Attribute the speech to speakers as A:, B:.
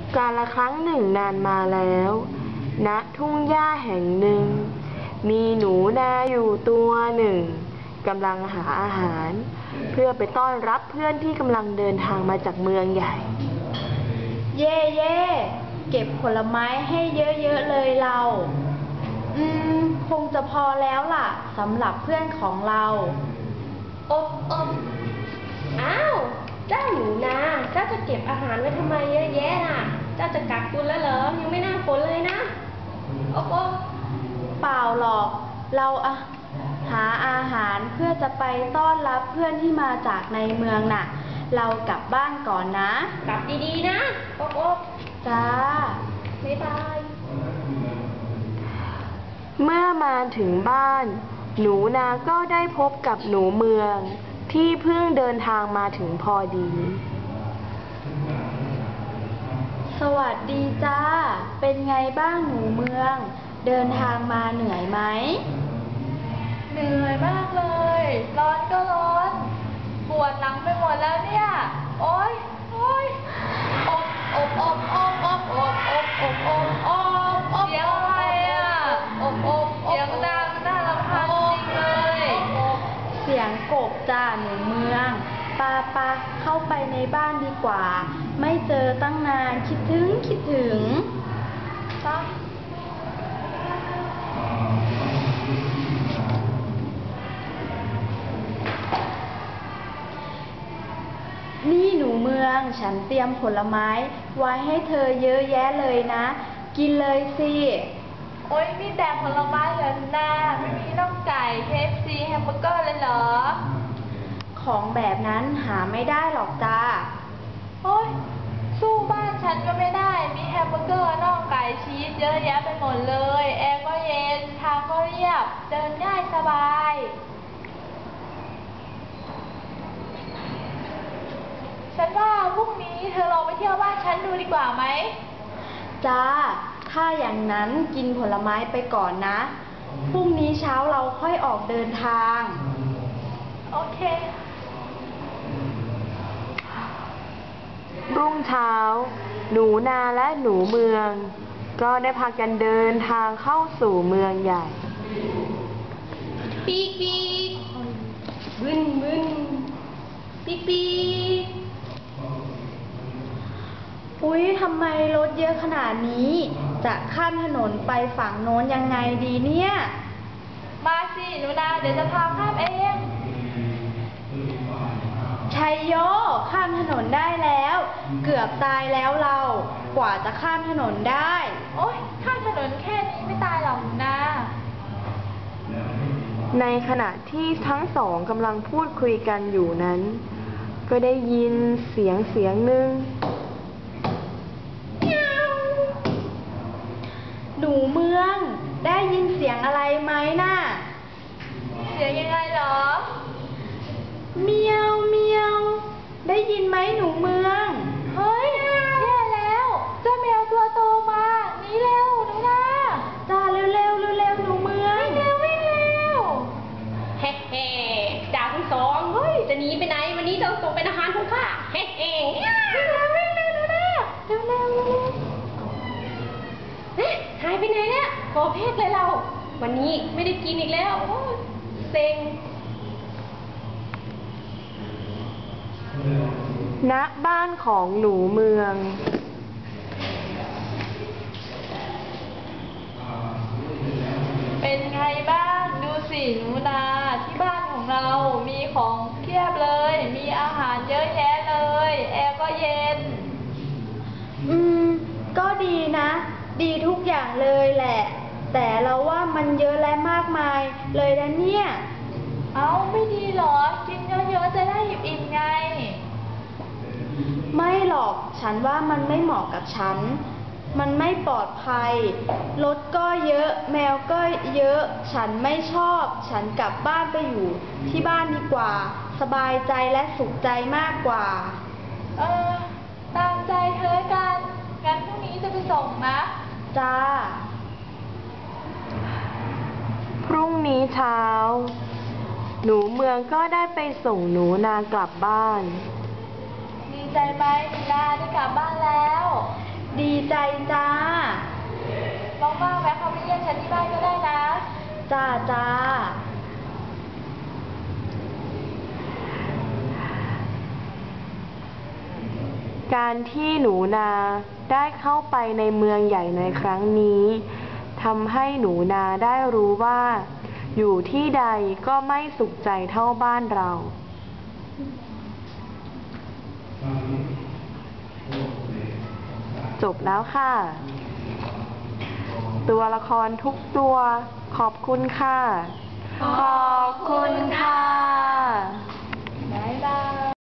A: กาลครั้งหนึ่งนานมาแล้วณทุ่งหญ้าแห่งหนึ่งมีหนูนาอยู่ตัวหนึ่งกำลังหาอาหารเพื่อไปต้อนรับเพื่อนที่กำลังเดินทางมาจากเมืองใหญ่
B: เย่เย่เก็บผลไม้ให้เยอะๆเลยเราคงจะพอแล้วล่ะสำหรับเพื่อนของเรา
C: อบอ้าวเจ้าหนูนาเจ้าจะเก็บอาหารไว้ทำไมเยอะแยะน่ะเจ้าจะกักตุนแล้วเหรอยังไม่น่าฝนเลยนะอบ
B: เปล่าหรอกเราหาอาหารเพื่อจะไปต้อนรับเพื่อนที่มาจากในเมืองน่ะเรากลับบ้านก่อนนะ
C: กลับดีๆนะอบ
B: จ้า
C: บ๊ายบาย
A: เมื่อมาถึงบ้านหนูนาก็ได้พบกับหนูเมืองที่เพิ่งเดินทางมาถึงพอดี
B: สวัสดีจ้าเป็นไงบ้างหนูเมืองเดินทางมาเหนื่อยไหม
D: เหนื่อยมากเลยร้อนก็ร้อนปวดหลังไปหมดแล้วเนี่ยโอ๊ยเสียงอะไรอ่ะเสียงดังน่ารำคาญจริงเลย
B: เสียงกบจ้าหนูเมืองปาเข้าไปในบ้านดีกว่าไม่เจอตั้งนานคิดถึง
D: จ้า
B: นี่หนูเมืองฉันเตรียมผลไม้ไว้ให้เธอเยอะแยะเลยนะกินเลยสิ
D: โอ๊ยมีแต่ผลไม้เหรอนาไม่มีน่องไก่ KFC แฮมเบอร์เกอร์เลยเหรอ
B: ของแบบนั้นหาไม่ได้หรอกจ้า
D: โอ๊ยสู้บ้านฉันก็ไม่ได้มีแฮมเบอร์เกอร์น่องไก่ชีสเยอะแยะไปหมดเลยแอร์ก็เย็นทางก็เรียบเดินง่ายสบายฉันว่าพรุ่งนี้เธอลองไปเที่ยวบ้านฉันดูดีกว่าไหม
B: จ้าถ้าอย่างนั้นกินผลไม้ไปก่อนนะพรุ่งนี้เช้าเราค่อยออกเดินทาง
D: โอเค
A: รุ่งเช้าหนูนาและหนูเมืองก็ได้พากันเดินทางเข้าสู่เมืองใหญ่
C: ปีกบึ้นปีก
B: อุ๊ยทำไมรถเยอะขนาดนี้จะข้ามถนนไปฝั่งโน้นยังไงดีเนี่ย
D: มาสิหนูนาเดี๋ยวจะพาข้ามเอง
B: ชัยโยข้ามถนนได้แล้วเกือบตายแล้วเรากว่าจะข้ามถนนได้
D: โอ๊ยข้ามถนนแค่นี้ไม่ตายหรอกนะ
A: ในขณะที่ทั้งสองกำลังพูดคุยกันอยู่นั้นก็ได้ยินเสียงหนึ่ง
B: หนูเมืองได้ยินเสียงอะไรไหมน่ะ
D: เสียงยังไงเหรอ
B: เมียวได้ยินไหมหนูเมือง
D: เฮ้ยแย่แล้วเจ้าแมวตัวโตมาหนีเร็วหนูนา
B: จ้าเร็วหนูเมือง
D: วิ่งเร็ว
C: เฮ้จ่าทั้งสองเฮ้ยจะหนีไปไหนวันนี้ต้องส่งเป็นอาหารของข้าวิ่งเร็วหนูนาเร็วหายไปไหนเนี่ยขอเพกเลยเราวันนี้ไม่ได้กินอีกแล้วโอ้เซ็ง
A: ณบ้านของหนูเมือง
D: เป็นไงบ้างดูสิหนูนาที่บ้านของเรามีของเพียบเลยมีอาหารเยอะแยะเลยแอร์ก็เย็น
B: ก็ดีนะดีทุกอย่างเลยแหละแต่เราว่ามันเยอะและมากมายเลยนะเนี่ย
D: เอาไม่ดีหรอกินเยอะๆจะได้อิ่มๆไง
B: ไม่หรอกฉันว่ามันไม่เหมาะกับฉันมันไม่ปลอดภัยรถก็เยอะแมวก็เยอะฉันไม่ชอบฉันกลับบ้านไปอยู่ที่บ้านดีกว่าสบายใจและสุขใจมากกว่า
D: ตามใจเธอกันงั้นพรุ่งนี้จะไปส่งนะ
B: จ้า
A: พรุ่งนี้เช้าหนูเมืองก็ได้ไปส่งหนูนากลับบ้าน
D: ดีใจไหมหนูนาได้กลับบ้านแล้ว
B: ดีจ้า
D: ว่างๆแวะเข้าไปเยี่ยมฉันที่บ้านก็ได้นะ
B: จ้าจ้า
A: การที่หนูนาได้เข้าไปในเมืองใหญ่ในครั้งนี้ทำให้หนูนาได้รู้ว่า อยู่ที่ใดก็ไม่สุขใจเท่าบ้านเรา จบแล้วค่ะ ตัวละครทุกตัว ขอบคุณค่ะ ขอบคุณค่ะ